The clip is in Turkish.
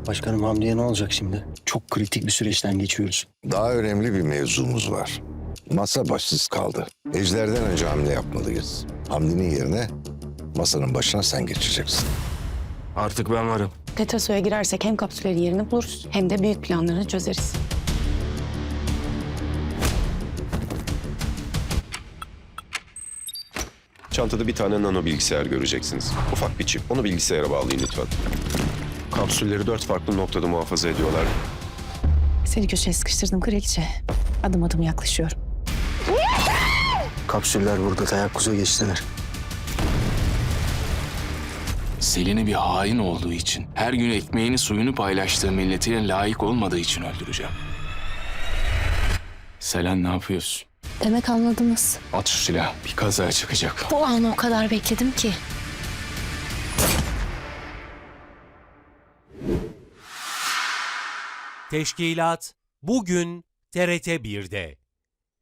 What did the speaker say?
Başkanım Hamdi'ye ne olacak şimdi? Çok kritik bir süreçten geçiyoruz. Daha önemli bir mevzumuz var. Masa başsız kaldı. Ejder'den önce hamle yapmalıyız. Hamdi'nin yerine masanın başına sen geçeceksin. Artık ben varım. Tetraso'ya girersek hem kapsüllerin yerini buluruz hem de büyük planlarını çözeriz. Çantada bir tane nano bilgisayar göreceksiniz. Ufak bir çip. Onu bilgisayara bağlayın lütfen. Kapsülleri 4 farklı noktada muhafaza ediyorlar. Seni köşeye sıkıştırdım kraliçe. Adım adım yaklaşıyorum. Kapsüller burada teyakkuza geçtiler. Selin'i bir hain olduğu için, her gün ekmeğini suyunu paylaştığı milletine layık olmadığı için öldüreceğim. Selen ne yapıyorsun? Demek anladınız. At şu silahı. Bir kaza çıkacak. Bu anı o kadar bekledim ki. Teşkilat bugün TRT 1'de.